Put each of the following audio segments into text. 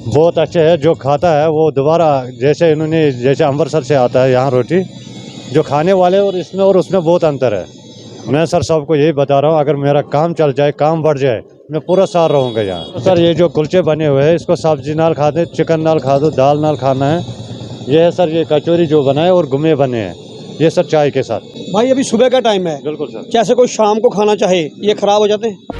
बहुत अच्छे है। जो खाता है वो दोबारा, जैसे जैसे अमृतसर से आता है यहाँ रोटी, जो खाने वाले और इसमें और उसमें बहुत अंतर है। मैं सर सबको यही बता रहा हूँ, अगर मेरा काम चल जाए, काम बढ़ जाए, मैं पूरा साल रहूँगा यहाँ। तो सर ये जो कुलचे बने हुए हैं, इसको सब्जी नाल खाते, चिकन नाल खा दो, दाल नाल खाना है। ये है सर ये कचौरी जो बना है और गुमे बने हैं, ये सर चाय के साथ। भाई अभी सुबह का टाइम है, बिल्कुल सर। जैसे कोई शाम को खाना चाहे, ये खराब हो जाते हैं।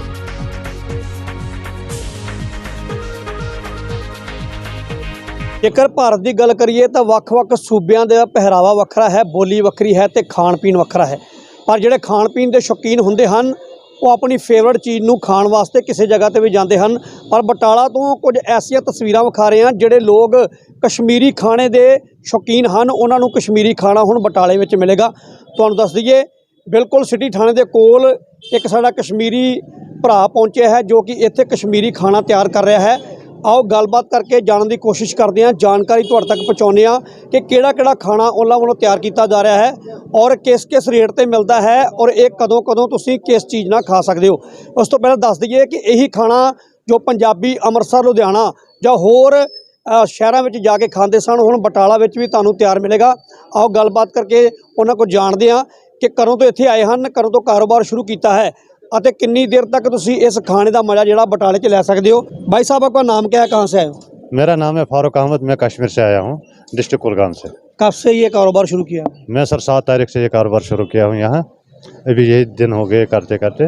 ਜੇਕਰ ਭਾਰਤ ਦੀ ਗੱਲ ਕਰੀਏ ਤਾਂ ਵੱਖ-ਵੱਖ ਸੂਬਿਆਂ ਦਾ ਪਹਿਰਾਵਾ ਵੱਖਰਾ ਹੈ, ਬੋਲੀ ਵੱਖਰੀ ਹੈ ਤੇ ਖਾਣ ਪੀਣ ਵੱਖਰਾ ਹੈ। ਪਰ ਜਿਹੜੇ ਖਾਣ ਪੀਣ ਦੇ ਸ਼ੌਕੀਨ ਹੁੰਦੇ ਹਨ ਉਹ ਆਪਣੀ ਫੇਵਰਟ ਚੀਜ਼ ਨੂੰ ਖਾਣ ਵਾਸਤੇ ਕਿਸੇ ਜਗ੍ਹਾ ਤੇ ਵੀ ਜਾਂਦੇ ਹਨ। ਪਰ ਬਟਾਲਾ ਤੋਂ ਕੁਝ ਐਸੀਆਂ ਤਸਵੀਰਾਂ ਵਿਖਾ ਰਹੇ ਹਾਂ, ਜਿਹੜੇ ਲੋਕ ਕਸ਼ਮੀਰੀ ਖਾਣੇ ਦੇ ਸ਼ੌਕੀਨ ਹਨ, ਉਹਨਾਂ ਨੂੰ ਕਸ਼ਮੀਰੀ ਖਾਣਾ ਹੁਣ ਬਟਾਲੇ ਵਿੱਚ ਮਿਲੇਗਾ। ਤੁਹਾਨੂੰ ਦੱਸ ਦਈਏ, ਬਿਲਕੁਲ ਸਿਟੀ ਥਾਣੇ ਦੇ ਕੋਲ ਇੱਕ ਸਾਡਾ ਕਸ਼ਮੀਰੀ ਭਰਾ ਪਹੁੰਚਿਆ ਹੈ, ਜੋ ਕਿ ਇੱਥੇ ਕਸ਼ਮੀਰੀ ਖਾਣਾ ਤਿਆਰ ਕਰ ਰਿਹਾ ਹੈ। आओ गलबात करके जानने की कोशिश करते हैं, जानकारी तुहाडे तक पहुँचाने कि किहड़ा खाना उन्हां वालों तैयार किया जा रहा है और किस किस रेट पर मिलता है और ये कदों कदों तुसीं किस चीज़ नाल खा सकते हो। उस तो पहले दस दईए कि यही खाना जो पंजाबी अमृतसर लुधियाना जां होर शहरों में जाके खाते सन, हुण बटाला में भी तुहानूं तैयार मिलेगा। आओ गलबात करके उन्हां कोल जानते हैं कि कदों तो इत्थे आए हैं, कदों तो कारोबार शुरू किया है ਅਤੇ कितनी देर तक तुसी इस खाने का मज़ा जिहड़ा बटाले च लै सकते हो। भाई साहब आपका नाम क्या है, कहाँ से आए हो? मेरा नाम है फारूक अहमद, मैं कश्मीर से आया हूँ, डिस्ट्रिक्ट कुलगाम से। कब से ये कारोबार शुरू किया? मैं सर 7 तारीख से ये कारोबार शुरू किया हूँ यहाँ, अभी यही दिन हो गए करते करते।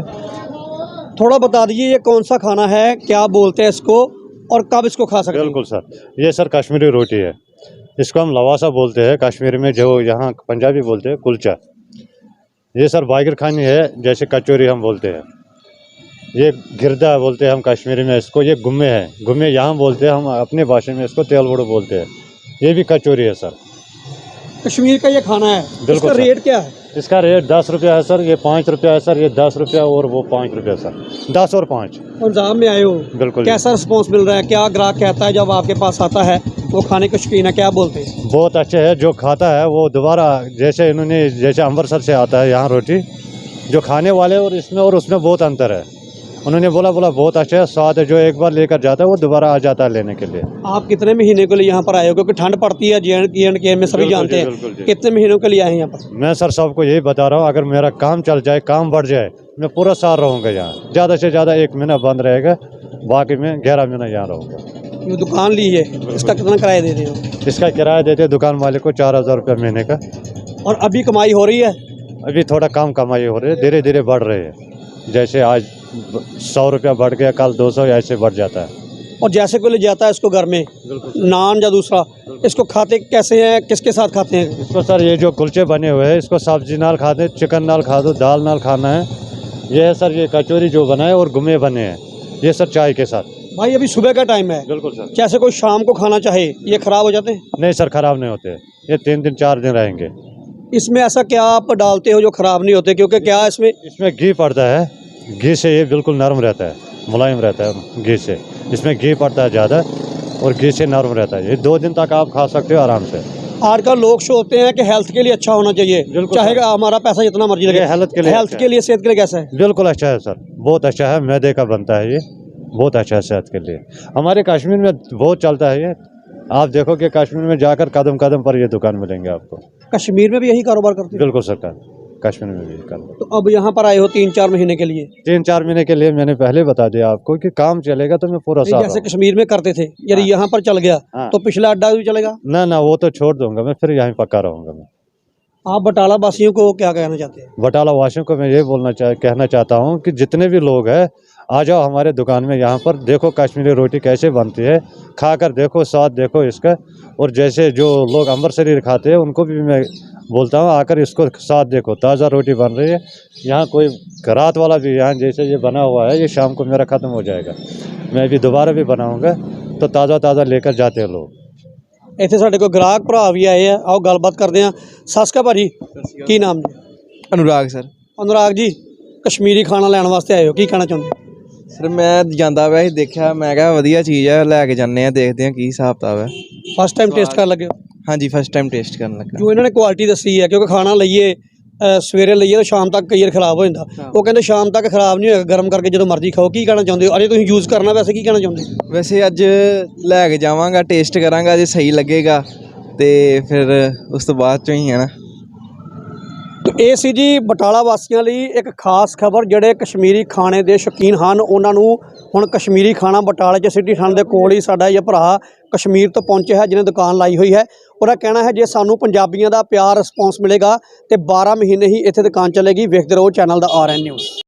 थोड़ा बता दीजिए ये कौन सा खाना है, क्या बोलते हैं इसको और कब इसको खा सकते हैं? बिल्कुल सर, ये सर कश्मीरी रोटी है, इसको हम लवासा बोलते हैं कश्मीर में, जो यहाँ पंजाबी बोलते हैं कुलचा। ये सर बागिर खानी है, जैसे कचौरी हम बोलते हैं, ये गिरदा बोलते हैं हम कश्मीरी में इसको। ये गुम्मे है, गुम्मे यहाँ बोलते हैं, हम अपनी भाषा में इसको तेल बड़ो बोलते हैं। ये भी कचौरी है सर, कश्मीर का ये खाना है। बिल्कुल इसका सर। रेट क्या है? इसका रेट 10 रुपया है सर, ये 5 रुपया है सर, ये 10 रुपया और वो 5 रुपया सर, 10 और 5। पंजाब में आए हो, बिल्कुल। कैसा रिस्पॉन्स मिल रहा है? क्या ग्राहक कहता है जब आपके पास आता है, वो खाने के शौकीन है, क्या बोलते हैं? बहुत अच्छे है। जो खाता है वो दोबारा, जैसे जैसे अमृतसर से आता है यहाँ रोटी, जो खाने वाले और इसमें और उसमें बहुत अंतर है। उन्होंने बोला बहुत अच्छा है, स्वाद है। जो एक बार लेकर जाता है वो दोबारा आ जाता है लेने के लिए। आप कितने महीने के लिए यहाँ पर आए हो? क्योंकि ठंड पड़ती है जे में सभी जानते हैं। कितने महीनों के लिए आए हैं यहाँ पर? मैं सर सबको यही बता रहा हूँ, अगर मेरा काम चल जाए, काम बढ़ जाए, मैं पूरा साल रहूँगा यहाँ। ज़्यादा से ज़्यादा 1 महीना बंद रहेगा, बाकी में 11 महीना यहाँ रहूँगा। ये दुकान ली है, इसका कितना किराया दे रहे हो? इसका किराया देते हैं दुकान मालिक को 4000 रुपये महीने का। और अभी कमाई हो रही है? अभी थोड़ा कम कमाई हो रही है, धीरे धीरे बढ़ रही है। जैसे आज 100 रुपया बढ़ गया, कल 200, ऐसे बढ़ जाता है। और जैसे कोई ले जाता है इसको घर में, नान या दूसरा, इसको खाते कैसे हैं, किसके साथ खाते हैं इसको? सर ये जो कुलचे बने हुए हैं, इसको सब्जी नाल खाते, चिकन नाल खा दो, दाल नाल खाना है। ये है सर ये कचौरी जो बना है और गुमे बने हैं, ये सर चाय के साथ। भाई अभी सुबह का टाइम है, बिल्कुल सर। जैसे कोई शाम को खाना चाहे, ये खराब हो जाते हैं? नहीं सर, खराब नहीं होते, ये 3 दिन 4 दिन रहेंगे। इसमें ऐसा क्या आप डालते हो जो खराब नहीं होते? क्योंकि क्या इसमें घी पड़ता है, घी से ये बिल्कुल नरम रहता है, मुलायम रहता है घी से। इसमें घी पड़ता है ज़्यादा और घी से नरम रहता है। ये 2 दिन तक आप खा सकते हो आराम से। आजकल लोग सोचते हैं कि हेल्थ के लिए अच्छा होना चाहिए, चाहे हमारा पैसा जितना मर्जी लगे। हेल्थ के लिए सेहत के लिए कैसा है? बिल्कुल अच्छा है सर, बहुत अच्छा है। मैदे का बनता है ये, बहुत अच्छा है सेहत के लिए। हमारे कश्मीर में बहुत चलता है ये। आप देखो कि कश्मीर में जाकर कदम कदम पर ये दुकान मिलेंगे आपको। कश्मीर में भी यही कारोबार करते हैं? बिल्कुल सरकार, कश्मीर में भी कारोबार। तो अब यहाँ पर आए हो 3-4 महीने के लिए? 3-4 महीने के लिए मैंने पहले बता दिया आपको कि काम चलेगा तो मैं पूरा साल। जैसे कश्मीर में करते थे, यदि यहाँ पर चल गया तो पिछला अड्डा भी चलेगा? ना वो तो छोड़ दूंगा मैं, फिर यहाँ पक्का रहूंगा मैं। आप बटाला वासियों को क्या कहना चाहते हैं? बटाला वासियों को मैं ये कहना चाहता हूँ कि जितने भी लोग हैं, आ जाओ हमारे दुकान में, यहाँ पर देखो कश्मीरी रोटी कैसे बनती है, खाकर देखो, स्वाद देखो इसका। और जैसे जो लोग अमृतसरी खाते हैं उनको भी मैं बोलता हूँ, आकर इसको स्वाद देखो, ताज़ा रोटी बन रही है। यहाँ कोई रात वाला भी, यहाँ जैसे ये बना हुआ है, ये शाम को मेरा ख़त्म हो जाएगा, मैं भी दोबारा भी बनाऊँगा, तो ताज़ा लेकर जाते हैं लोग। ਇੱਥੇ ਸਾਡੇ ਕੋਲ ਗ੍ਰਾਹਕ ਭਰਾ ਵੀ ਆਏ ਆ, ਆਓ ਗੱਲਬਾਤ ਕਰਦੇ ਆ। ਸਤਿ ਸ਼੍ਰੀ ਅਕਾਲ ਭਾਜੀ, ਕੀ ਨਾਮ ਜੀ? अनुराग सर। अनुराग जी, कश्मीरी खाना ਲੈਣ ਵਾਸਤੇ ਆਏ ਹੋ, ਕੀ ਕਹਿਣਾ ਚਾਹੁੰਦੇ? सर मैं ਜਾਂਦਾ ਪਿਆ ਸੀ, ਦੇਖਿਆ, ਮੈਂ ਕਿਹਾ ਵਧੀਆ ਚੀਜ਼ ਹੈ, ਲੈ ਕੇ ਜਾਂਦੇ ਆ, ਦੇਖਦੇ ਆ ਕੀ ਹਿਸਾਬ ਕਿਤਾਬ ਹੈ। ਫਸਟ ਟਾਈਮ ਟੇਸਟ ਕਰਨ ਲੱਗੇ ਹੋ? ਹਾਂਜੀ, ਫਸਟ ਟਾਈਮ ਟੇਸਟ ਕਰਨ ਲੱਗਾ। ਜੋ ਇਹਨਾਂ ਨੇ ਕੁਆਲਿਟੀ ਦੱਸੀ ਹੈ, ਕਿਉਂਕਿ ਖਾਣਾ ਲਈਏ ਸਵੇਰੇ ਲਈਏ ਤਾਂ ਸ਼ਾਮ ਤੱਕ ਕਈ ਵਾਰ ਖਰਾਬ ਹੋ ਜਾਂਦਾ। ਉਹ ਕਹਿੰਦੇ ਸ਼ਾਮ ਤੱਕ ਖਰਾਬ ਨਹੀਂ ਹੋਏਗਾ, ਗਰਮ ਕਰਕੇ ਜਦੋਂ ਮਰਜ਼ੀ ਖਾਓ। ਕੀ ਕਹਿਣਾ ਚਾਹੁੰਦੇ ਹੋ? ਅਜੇ ਤੁਸੀਂ ਯੂਜ਼ ਕਰਨਾ, ਵੈਸੇ ਕੀ ਕਹਿਣਾ ਚਾਹੁੰਦੇ ਹੋ? ਵੈਸੇ ਅੱਜ ਲੈ ਕੇ ਜਾਵਾਂਗਾ, ਟੇਸਟ ਕਰਾਂਗਾ, ਜੇ ਸਹੀ ਲੱਗੇਗਾ ਤੇ ਫਿਰ ਉਸ ਤੋਂ ਬਾਅਦ ਚੋਂ ਹੀ ਹੈ ਨਾ। ਇਹ ਸੀ ਜੀ ਬਟਾਲਾ ਵਾਸੀਆਂ ਲਈ ਇੱਕ ਖਾਸ ਖਬਰ। ਜਿਹੜੇ ਕਸ਼ਮੀਰੀ ਖਾਣੇ ਦੇ ਸ਼ੌਕੀਨ ਹਨ ਉਹਨਾਂ ਨੂੰ ਹੁਣ ਕਸ਼ਮੀਰੀ ਖਾਣਾ ਬਟਾਲੇ 'ਚ ਸਿਟੀ ਥਾਣੇ ਦੇ ਕੋਲ ਹੀ ਸਾਡਾ ਇਹ ਭਰਾ ਕਸ਼ਮੀਰ ਤੋਂ ਪਹੁੰਚਿਆ ਹੈ, ਜਿਹਨੇ ਦੁਕਾਨ ਲਾਈ ਹੋਈ ਹੈ। ਉਹਦਾ ਕਹਿਣਾ ਹੈ ਜੇ ਸਾਨੂੰ ਪੰਜਾਬੀਆਂ ਦਾ ਪਿਆਰ ਰਿਸਪੌਂਸ ਮਿਲੇਗਾ ਤੇ 12 ਮਹੀਨੇ ਹੀ ਇੱਥੇ ਦੁਕਾਨ ਚੱਲੇਗੀ। ਵੇਖਦੇ ਰਹੋ ਚੈਨਲ ਦਾ RN ਨਿਊਜ਼।